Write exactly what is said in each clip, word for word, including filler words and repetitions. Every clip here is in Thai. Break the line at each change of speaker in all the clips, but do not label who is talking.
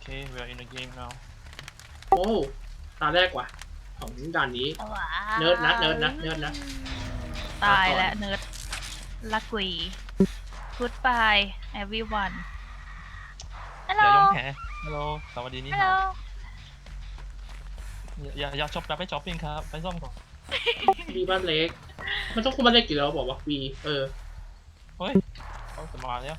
Okay, we are in the game now.
โอ้ตาแรกว่ะของด่านนี้เนิร์ดนะเนิร์ดนะเนิร์ดนะ
ตายแล้วเนิร์ดลักวี Goodbye everyone ฮัลโหล
อย่ายอมแพ้ Hello สวัสดีนี่
ฮัลโหล
ครับอย่าอย่าช็อปอย่าไปช็อปปิ้งครับไปซ่อมก่อน
มีบ้านเล็กมันต้องคุมบ้านเล็กกี่แล้วบอกว่าวีเออ
เฮ้ยเขาจะมาแล้ว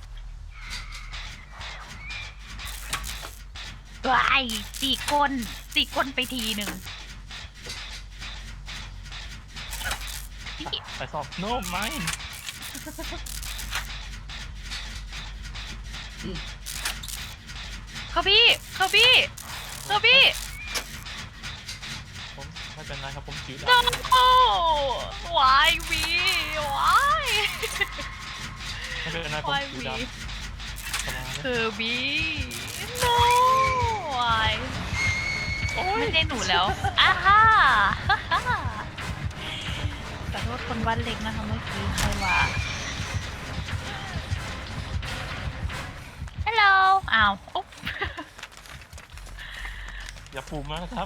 วายตีก้นตีก้นไปทีหนึ่ง
ไปซ่อม No mine
เขาพี่เขาพี่เขาพี่
ผมไม่เป็นไรครับผมจิ๋วได้
no วายวีวาย
ไม่เป็นไรผม
วาย
จิ๋ว
วี
ได้สบาย
เธอบี no วายไม่ใช่หนูแล้วอ้าฮ่าขอโทษคนบ้านเล็กนะคะเมื่อกี้ใครว่าฮัลโหลอ้าวอุ๊บ
อย่าปูมากนะครับ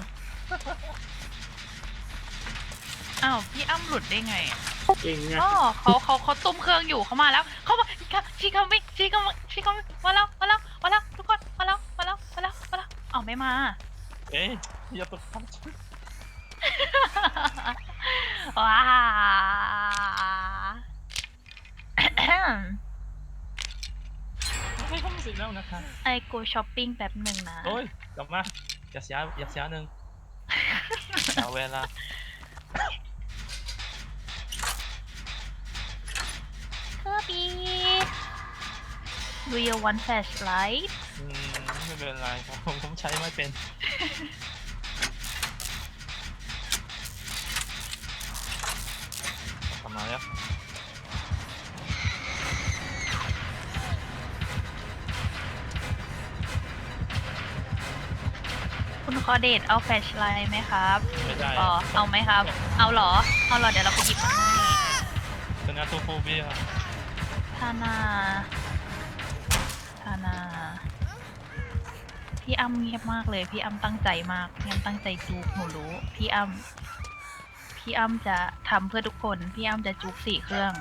อ้าวพี่อ้ำหลุดได้ไง
เก่งไง
อ๋อเขาเขาเขาตุ้มเครื่องอยู่เขามาแล้วเขามาชีเขาไม่ชีเขาชีเขามาแล้วมาแล้วมาแล้วทุกคนมาแล้วมาแล้วมาแล้วมาแล้วอ๋อไม่มา
เอ๊ะอย่าตกทับ
ว้า
ไม่ต้องสิแล้วนะคะ
ไอโกช้อปปิ้งแป๊บหนึ่งนะ
โอ้ยกลับมาอย่าเสียอย่าเสียหนึ่งเอาเวลา
เธอบี Do you want flashlight
อืมไม่เป็นไรครับผมผมใช้ไม่เป็นกลับมาแล้ว
คุณคอเดทเอาแฟลชไลท์ไหมครับ
ไม่ได้
อ๋อเอาไหมครับ เอาเหรอเอาเหรอเดี๋ยวเราไปหยิบมาให้
เป็นอาโตโฟเบีย
ทานาทานาพี่อ้ำเงียบมากเลยพี่อ้ำตั้งใจมากพี่อ้ำตั้งใจจูกหนูรู้พี่อ้ำพี่อ้ำจะทำเพื่อทุกคนพี่อ้ำจะจูกสี่เครื่อง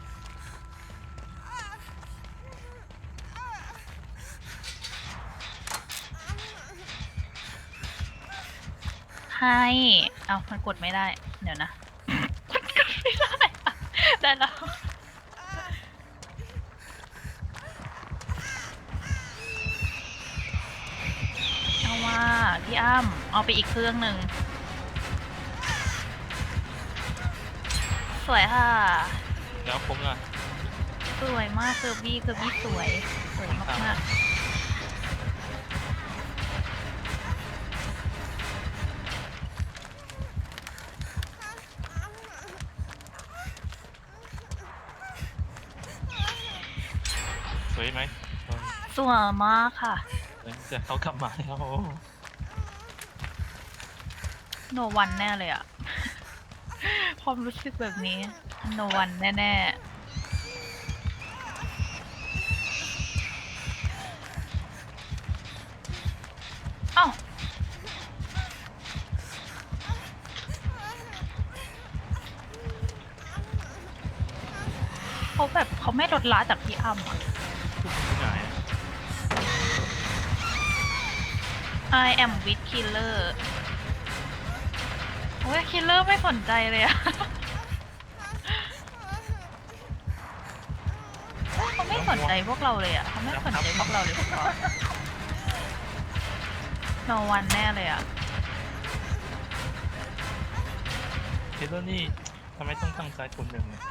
ให้เอามันกดไม่ได้เดี๋ยวนะ กดไม่ได้ได้แล้วเอาว่าพี่อ้ำเอาไปอีกเครื่องหนึ่งสวยค่ะ
แล้วผมล่ะ
สวยมากเซอร์บี้เซอร์บี้สวยสวยมากๆ
สวยไหมเออ
สวยมากค่ะ
เดี๋ยวเขากลับมาแล้ว
โนวันแน่เลยอะ ความรู้สึกแบบนี้โนวันแน่ๆเอ้าเขาแบบเขาไม่ลดละจากพี่อ้ำอะ
ที่ไหน
I am with killer โอ้ย killer ไม่สนใจเลยอะ เขาไม่สนใจพวกเราเลยอะเขาไม่สนใจพวกเราเลยพวกเรา no one แน่เลยอะ
เฮโรนี่ทำไมต้องตั้งใจคนหนึ่งเนี่ย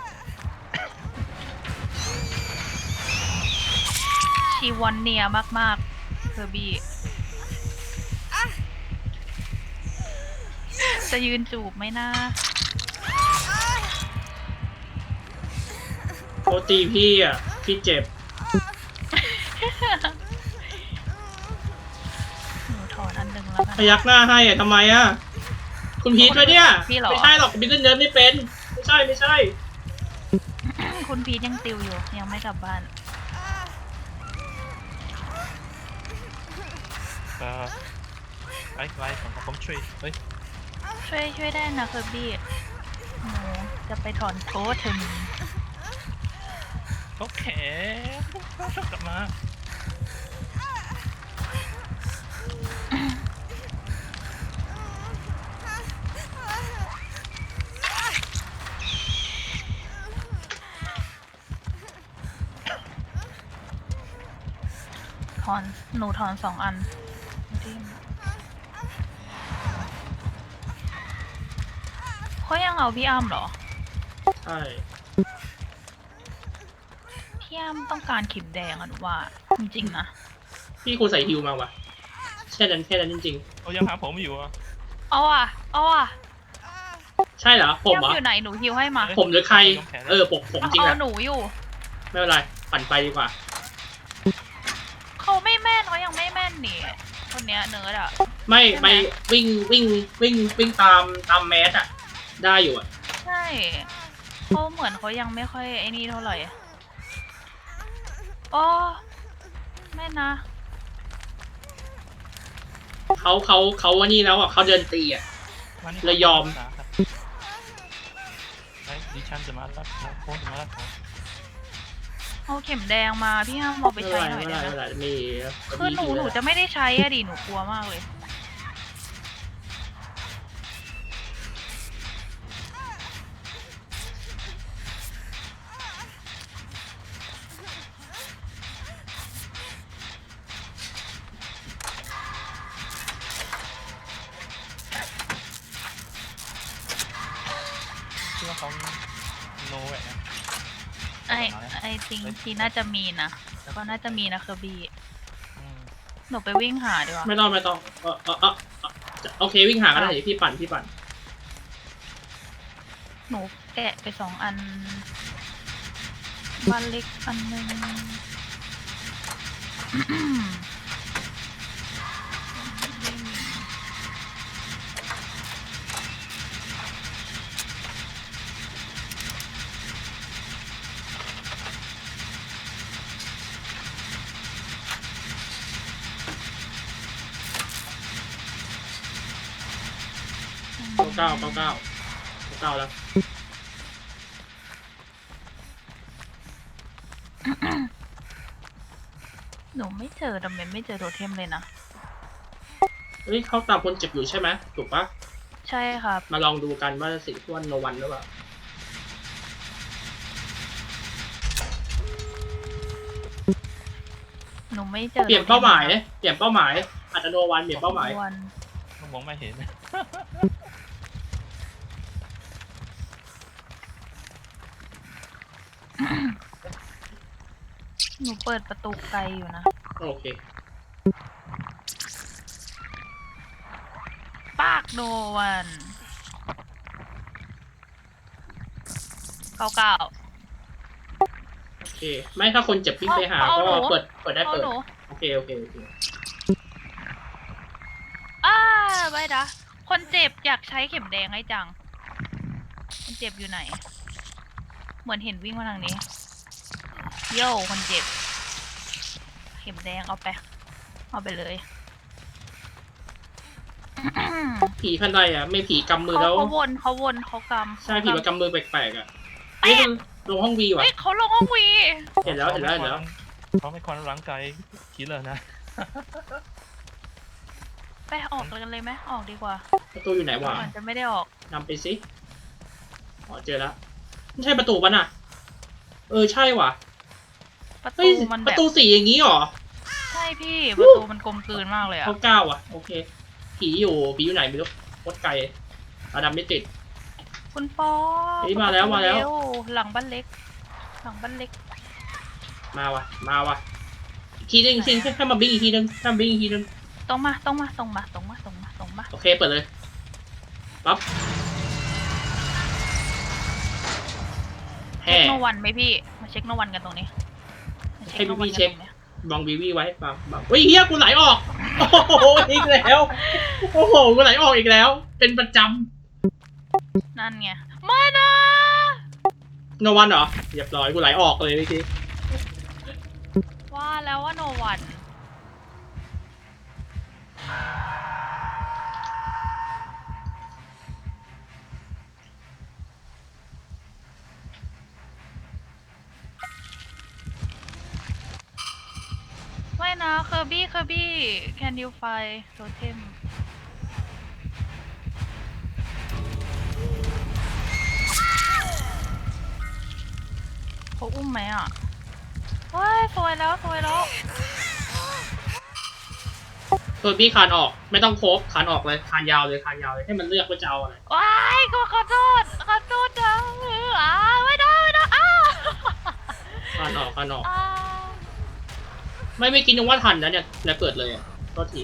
ชีวอนเนียมากๆเซอร์บี้จะยืนจูบไหมนะ
โอตีพี่อ่ะพี่เจ็บ
หนูถอนอันหนึ่งแล้วกั
พ
น
ยักหน้าให้อ่ะทำไมอ่ะคุณพีทไหมเนี่ย
พี่เหรอ
ไม่ใช่หรอกพีทเล่นเนิร์ดไม่เป็นไม่ใช่ไม่ใช่
คุณพีทยังติวอยู่ยังไม่กลับบ้าน
ไปเออไว้ไว้ผมผมช่วยเฮ้ย
ช่วยช่วยได้นะเคอร์บี้หนูจะไปถอนโทษเธอมี
โอเคกลับมา
ถอนหนูถอนสองอันเขายังเอาพี่อ้ำเหรอ
ใช่
พี่อ้ำต้องการเข็มแดงอะหนูว่าจริงๆนะ
พี่ควรใส่ฮิวมาว่ะแค่นั้นแค่นั้นจริง
เขายังหาผมอยู่อ่ะ
เอาอ่ะเอาอ่ะ
ๆ ใช่เหรอผม
พี่
เหร
อ้ำ
อ
อยู่ไหนหนูฮิวให้มา
ผมหรือใครเออผมผมจริง
เอา
แหละ
หนูอยู่
ไม่เป็นไรปั่นไปดีกว่า
เขาไม่แม่นเขายังไม่แม่นนี่คนเนี้ยเนิร์ดอะ
ไม่
ใช่ไหม
ไปวิ่งวิ่งวิ่งวิ่งตามตามแมสอะได้อยู่อะ
ใช่เขาเหมือนเขายังไม่ค่อยไอ้นี่เท่าไหร่โอ้แม่นะ
เขาเขาเขาว่านี่แล้วอะเขาเดินตีอะ
มานี่
เลยยอม
ไอ้ดิฉันจะมารับโค้งจะมารับเขา
เอาเข็มแดงมาพี่ห้ามเอาไป
ไม่เป็
ใช้
นไร
หน่อย
ไม่
ได้
เป็น
ไห
ไร
ม
ไม่เป็นไรมี
คือหนูหนูจะไม่ได้ใช้อะดิหนูกลัวมากเลย
คิดว่าเขาโนแหวนะ
ไอไอจริงทีน่าจะมีนะก็น่าจะมีนะเคอร์บี้
อืม
หนูไปวิ่งหาดีกว่า
ไม่ต้องไม่ต้องเออเออเออเออโอเควิ่งหากันได้เดี๋ยวพี่ปั่นพี่ปั่น
หนูแกะไปสองอันบ้านเล็กอันหนึ่ง
เก้าเก้าเก้าเก้าเก้าแล้ว
หนูไม่เจอดำเมนไม่เจอโทเทมเลยนะ
เฮ้ยเขาตามคนเจ็บอยู่ใช่ไหมถูกปะ
ใช่ครับ
มาลองดูกันว่าสิ่งที่ว่าโนวันหรือเปล่า
หนูไม่เจอ
เปลี่ยนเป้าหมายเปลี่ยนเป้าหมายอาจจะโนวันเปลี่ยนเป้าหมาย
วัน
มองไม่เห็น
หนูเปิดประตูไกลอยู่นะ
โอเค
ปากโนวันเก้าเก้า
โอเค ไม่ถ้าคนเจ็บวิ่งไปหา
เอา
ก็
หนู
เปิดเปิดได้
เอา
เปิด
หนู
โอเคโอเคโอเค
อ้าไม่นะคนเจ็บอยากใช้เข็มแดงให้จัง คนเจ็บอยู่ไหน เหมือนเห็นวิ่งมาทางนี้ โย่คนเจ็บ เข็มแดงเอาไป เอาไปเลย
ผีพันใดอ่ะไม่ผีกำมือ
เขา
แล้ว
เขาวนเขาวนเขากำ
ใช่ผีมันกำมือแปลกๆอ่ะ
เอ๊ะ
นี่ลงห้องวีว่ะ
เฮ้ยเขาลงห้องวี
เห็นแล้วเห็นแล้วเห็นแล้ว
เขาไม่ควรร่างกายคิดเลยนะ
ไปออกกันเลยไหมออกดีกว่า
ประตูอยู่ไหนวะ
ก่อนจะไม่ได้ออก
นำไปสิอ๋อเจอแล้วไม่ใช่ประตูปะน่ะ เออใช่ว่ะ
ประ
เฮ้
ตู
ย
มัน
ป
แบ
ระ
บ
ตูสีอย่างนี้เหรอ
ใช่พี่ ประตูมันกลมกลืนมากเลยอะ
เขาเก้าอ่ะโอเค ผีอยู่ผีอยู่ไหนไม่รู้โคตรไกลอาดำไม่ติด
คุณปอ
เฮ้ยมาแล้วมาแล้ว
เร็หลังบ้านเล็ก หลังบ้านเล็ก
มาว่ะมาว่ะอีกทีนึงอีกทีนึงให้มาบิ้งอีกทีนึงให้มาบิ้งอีกทีนึง
ตรงมาตรงมาตรงมาตรงมาตรงมาตรงมา
โอเคเปิดเลยปั๊บ
เช็
แห่
คโนวันไหมพี่ มาเช็คโนวันกันตรงนี้มา
ให้พี่
โนวัน
พี่เช็ค
กันตรงนี้
บองวีวีไว้ปั๊บปั๊บเฮ้ยเฮียกูไหลออกโอ้โหอีกแล้วโอ้โหกูไหลออกอีกแล้ว เป็นประจ
นั่นไงมานะ
ำโนวันเหรอเรียบร้อยกูไหลออกเลยเมื่อกี้
ว่าแล้วว่าโนวันอร์บี้เคอร์บี้ can you find totem เขาอุ้มไหมอ่ะเฮ้ยสวยแล้วสวยแล้ว
เออพี่คานออกไม่ต้องโคบคานออกเลยคานยาวเลยคานยาวเลยให้มันเลือกว่าจะเอาอะไร
ว้ายกูขอโทษขอโทษนะอ้าไม่ได้ไม่ได้อ้า
คานออกคานออก
อ้า
ไม่ไม่กินยังว่าทันนะเนี่ยแล้วเกิดเลยอ่ะก็ที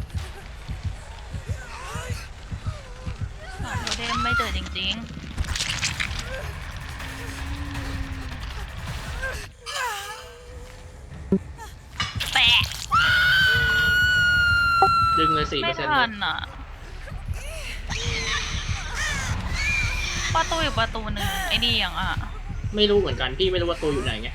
โทเทมไม่เจอจริงๆแปะ
ดึงเลยสี่เปอ
ไม่
ร์เซ็นต์
ทันอ่ะ ประตูอยู่ประตูหนึ่งไอ้นี่ยังอ่ะ
ไม่รู้เหมือนกันพี่ไม่รู้ว่าตัวอยู่ไหนไง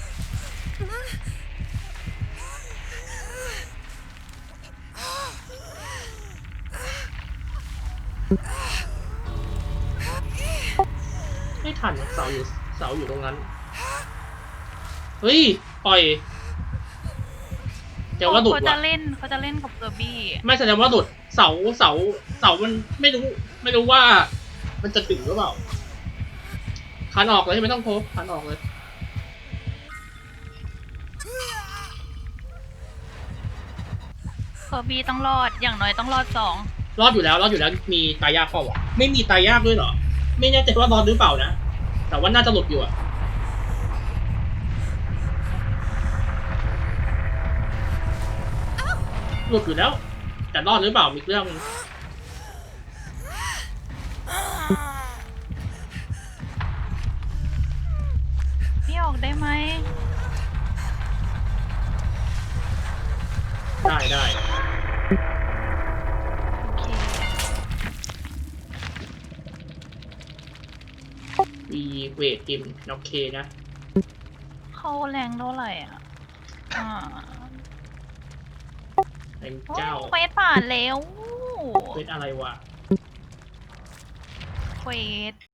ไม่ทันเสาอยู่เสาอยู่ตรงนั้นเฮ้ยปล่อยแต่ว่าหลุด
เขาจะ
ว่ะ
เล่นเขาจะเล่นกับเกอร์บี้
ไม่แสดงว่าหลุดเสาเสาเสามันไม่รู้ ไม่รู้ว่า มันจะถึงหรือเปล่าคันออกเลยไม่ต้องโพบคันออกเลย
เกอร์บี้ต้องรอดอย่างน้อยต้องรอดสอง
รอดอยู่แล้วรอดอยู่แล้วมีตายยากเปล่าวะไม่มีตายยากด้วยเหรอ ไม่แน่ใจว่ารอดหรือเปล่านะแต่ว่าน่าจะหลุดอยู่อะหลุดอยู่แล้ว แต่รอดหรือเปล่ามีเรื่องนึง
พี่ออกได้ไหม
ได้ได้
โอเค
มีเวทกิมโอเคนะ
เข้าแรงเท่าไหร่อ่ะอ่า
ไอ้
โอ้ย
เจ้า
เควสผ่านแล้ว
เวทอะไรวะ
เควส